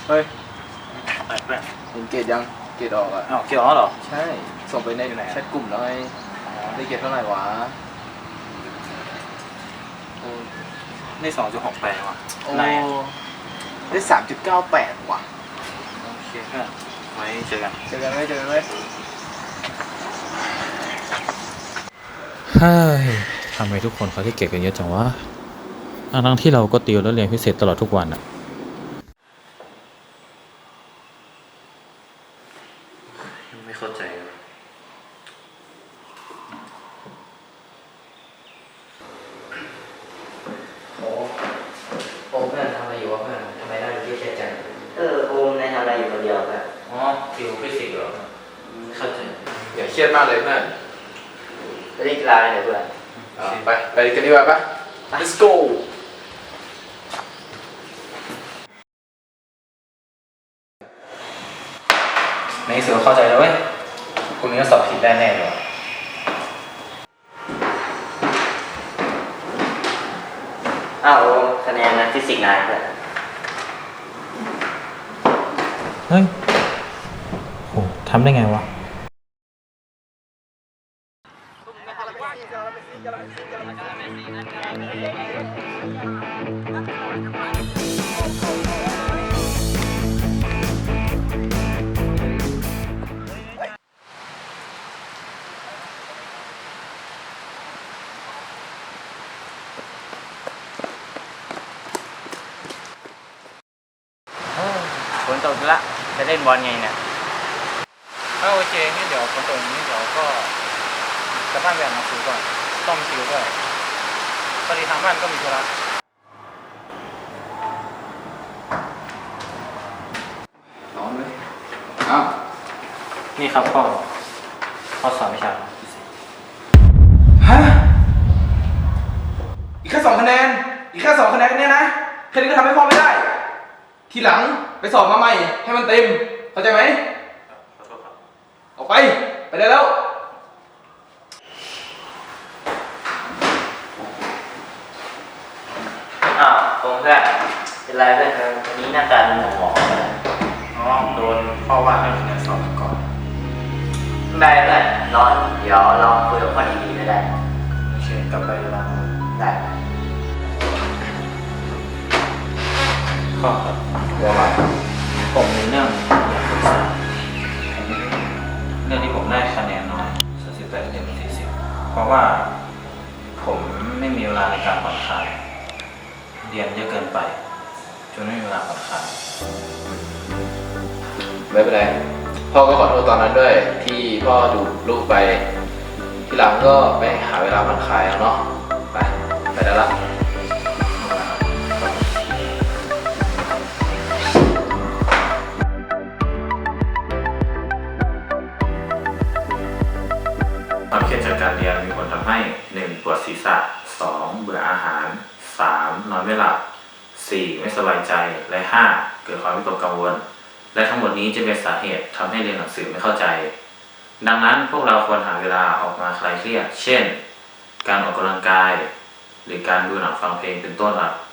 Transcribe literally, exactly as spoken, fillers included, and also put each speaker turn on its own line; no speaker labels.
เฮ้ย
ไปเพื่อน
เห็นเกรดยังเกรดออกอ่ะ
อ้าวเกี่ยวแล้วเหรอ
ใช่ส่งไปในแชทกลุ่มแล้วไงได้เกรดเท่าไหร่วะ
ได้สองจุดหกแปดว่ะ
โอ้ได้สามจุดเก้าแปดว่ะ
โอเคเพื่อนไว้เจอกัน
เจอกันไหมเจอกันไหม
เฮ้ยทำไมทุกคนเขาที่เก็บกันเยอะจังวะทั้งที่เราก็ติวแล้วเรียนพิเศษตลอดทุกวันอะ
ไม่เข้าใจ
โอ้โอมเพื่อนทำอะไรอยู่วะเพื่อนทำไมได้เยอะจังเออโอมนายทำอะไรอยู่คนเดียวเพื่อน
อ๋อติวฟิสิกส์เหรอไม่เข้าใจ
อย่าเครียดมากเลยเพื่อน
ไปเล่นกีฬาเลยเพื่อน
ไปไปกันดีกว่าปะ let's go
ในที่สุดเข้าใจแล้วเว้ยคุณนี้ก็สอบผิดได้แน่เลย
อ้าวโอมคะแนนนะฟิสิกส์นายเพื่อน
เฮ้ยโหทำได้ไงวะ
ฝนตกละจะเล่นบอลไงเนี่ย
ถ้าโอเคงั้นเดี๋ยวฝนตกนี้เดี๋ยวก็กลับบ้านไปอ่านหนังสือก่อนต้องติวด้วยพอดีทางบ้านก็มีธุระ
ร้อนไหมอ้าว
นี่ครับพ่อข้อสอบวิชา
ฮะอีกแค่สองคะแนนอีกแค่สองคะแนนเนี่ยนะแค่นี้ก็ทำให้พ่อไม่ได้ทีหลังไปสอบมาใหม่ให้มันเต็มเข้าใจไหมออกไปไปได้แล้ว
อ้าวโอมเพื่อนเป็นไรเพื่อนวันนี้หน้าตาหมองหมองเลย
อ๋อโดนพ่อว่าให้คะแนนสอบก่อน
ไม่เพื่อนร้อนเดี๋ยวเราคุยกับพ่อดีๆได้
โอเคกลับไปบ้าน
ได้
ข้อครับว่าว่าผมมีเรื่องอยากปรึกษาเรื่องที่ผมได้คะแนนน้อยสามสิบแปดเต็มสี่สิบเพราะว่าผมไม่มีเวลาในการผ่อนคลายเรียนเยอะเกินไปจนไม่มีเวลาผ่อนคลาย
ไม่เป็นไรพ่อก็ขอโทษตอนนั้นด้วยที่พ่อดูลูกไปทีหลังก็ไปหาเวลาผ่อนคลายเอาเนาะไปไปได้ละ
ความเครียดจากการเรียนมีผลทำให้ หนึ่ง ปวดศีรษะ สอง เบื่ออาหาร สาม นอนไม่หลับ สี่ ไม่สบายใจ และ ห้า เกิดความวิตกกังวลและทั้งหมดนี้จะเป็นสาเหตุทำให้เรียนหนังสือไม่เข้าใจ ดังนั้นพวกเราควรหาเวลาออกมาคลายเครียดเช่นการออกกำลังกายหรือการดูหนังฟังเพลงเป็นต้นครับ